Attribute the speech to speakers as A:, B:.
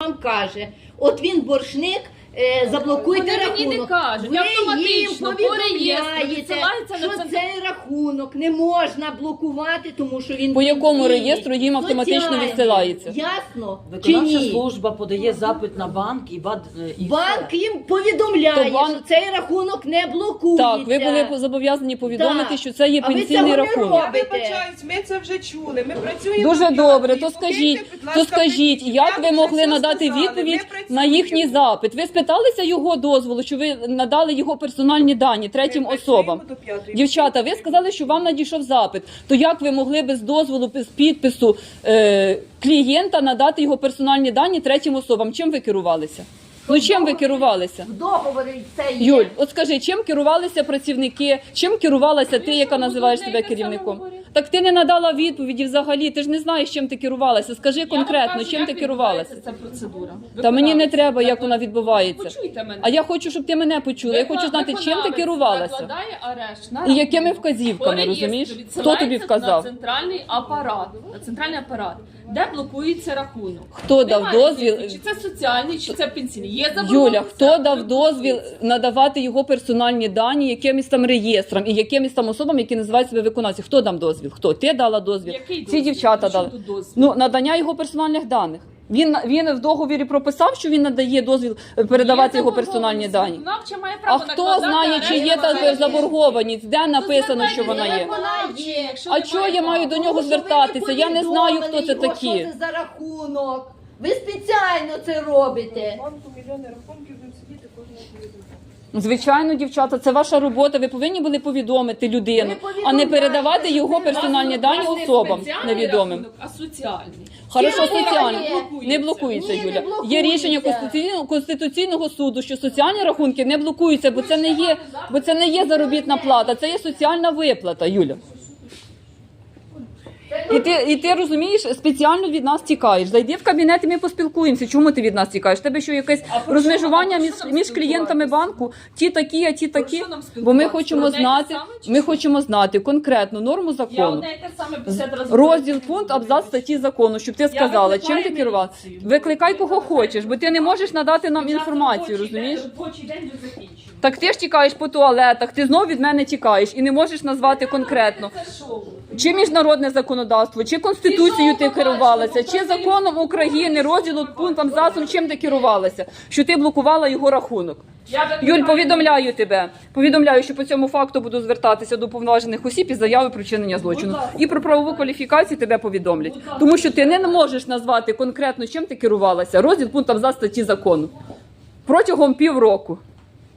A: вам каже, от він боржник, заблокуйте
B: Вони мені
A: рахунок.
B: не кажуть,
A: Ви
B: автоматично,
A: їм
B: по реєстру
A: повідомляєте,
B: відсилається на
A: що
B: центр.
A: цей рахунок не можна блокувати, тому що він
C: По якому
A: пенсійний,
C: реєстру їм автоматично
A: соціальний.
C: відсилається?
A: Ясно? Чи
D: Виконавча
A: ні?
D: служба подає запит на банк і
A: Банк їм повідомляє,
C: То банк-
A: що цей рахунок не блокується.
C: Так, ви були зобов'язані повідомити,
A: Так.
C: що це є
A: А ви
C: пенсійний
A: цього не
C: рахунок.
A: робите.
E: Я вибачаюсь, ми це вже чули. Ми працюємо
C: Дуже
E: в
C: добре,
E: п'ятій.
C: то
E: Покиньте,
C: скажіть,
E: будь ласка, пенсію.
C: як
E: Я
C: ви
E: вже
C: могли
E: все
C: надати
E: сказала.
C: відповідь
E: Ми
C: на
E: працюємо.
C: їхній запит? Ви спиталися його дозволу, що ви надали його персональні дані третім
E: Ми працюємо
C: особам?
E: до п'ятої.
C: Дівчата, ви сказали, що вам надійшов запит. То як ви могли без дозволу, без підпису клієнта надати його персональні дані третім особам? Чим ви керувалися? Ну чим ви керувалися?
A: В договорі це є.
C: Юль, от скажи, чим керувалися працівники, чим керувалася ти, яка називаєш себе керівником? Так ти не надала відповіді взагалі, ти ж не знаєш, чим ти керувалася. Скажи конкретно, чим ти керувалася.
B: Ця процедура.
C: Та мені не треба, як вона відбувається.
B: Почуйте мене.
C: А я хочу, щоб ти мене почула. Я хочу знати, чим ти керувалася.
B: Накладає арешт на
C: І якими
B: рахунок.
C: вказівками,
B: По реєстру
C: розумієш? Хто
B: відсилається
C: тобі вказав?
B: На центральний апарат, де блокується рахунок.
C: Хто дав
B: Немає
C: дозвіл?
B: різниці, Чи це соціальний, чи це пенсійний. Є
C: Юля,
B: заборгованість,
C: хто
B: це
C: дав дозвіл
B: блокується.
C: надавати його персональні дані якимось там реєстрам і якимось там особам, які називають себе виконавці? Хто дав дозвіл? Хто? Ти дала дозвіл?
B: Який
C: Ці
B: дозвіл?
C: дівчата
B: При чому
C: дали.
B: тут дозвіл?
C: Ну, надання його персональних даних. Він в договорі прописав, що він надає дозвіл передавати
B: Є
C: його персональні
B: заборгованість.
C: дані.
B: Виконавча має
C: А
B: право
C: хто
B: накладати
C: знає, чи є та
B: арешт?
C: заборгованість? Де написано, що вона є?
A: Вона є.
B: Якщо
C: А
B: немає
C: чого я маю
B: права?
C: до нього
A: Тому що ви
C: звертатися? Я не знаю, хто це
A: повідомили його,
C: такі.
A: Що це за рахунок? Ви спеціально це робите.
E: В банку мільйони рахунків, будемо сидіти кожного повідомляти.
C: Звичайно, дівчата, це ваша робота. Ви повинні були повідомити людину, а не передавати його персональні дані
B: У вас не
C: особам
B: спеціальний
C: невідомим.
B: рахунок, а соціальний.
C: Хорошо,
A: Є,
C: соціальний.
A: є.
C: Не блокується,
A: Ні, не
C: Юля.
A: блокується.
C: Є рішення Конституційного суду, що соціальні рахунки не блокуються, бо це не є заробітна плата, це є соціальна виплата, Юля. І ти розумієш, спеціально від нас тікаєш. Зайди в кабінет і ми поспілкуємося. Чому ти від нас тікаєш? Тебе що якесь розмежування між клієнтами банку? Ті такі, а ті такі?
B: що нам
C: Бо ми
B: спілкуватися?
C: хочемо
B: Про одне й те
C: знати,
B: саме чи що?
C: конкретну норму
B: Я
C: закону.
B: одне і те саме 50 разів.
C: Розділ, пункт, абзац статті закону, щоб ти сказала, чим
B: викликаю
C: ти керувала.
B: міліцію.
C: Викликай кого хочеш, бо ти не можеш надати нам
B: Час
C: інформацію,
B: робочий
C: розумієш?
B: день, робочий день вже закінчений.
C: Так ти ж тікаєш по туалетах, ти знов від мене тікаєш і не можеш назвати конкретно.
B: Це шоу.
C: Чи міжнародне законодавство, чи Конституцією ти керувалася, чи законом України, розділу, пунктом, абзацом, чим ти керувалася, що ти блокувала його рахунок. Юль, повідомляю тебе. Повідомляю, що по цьому факту буду звертатися до повноважених осіб із заявою про вчинення злочину. І про правову кваліфікацію тебе повідомлять. Тому що ти не можеш назвати конкретно, чим ти керувалася. Розділ, пункт, абзац статті закону. Протягом півроку.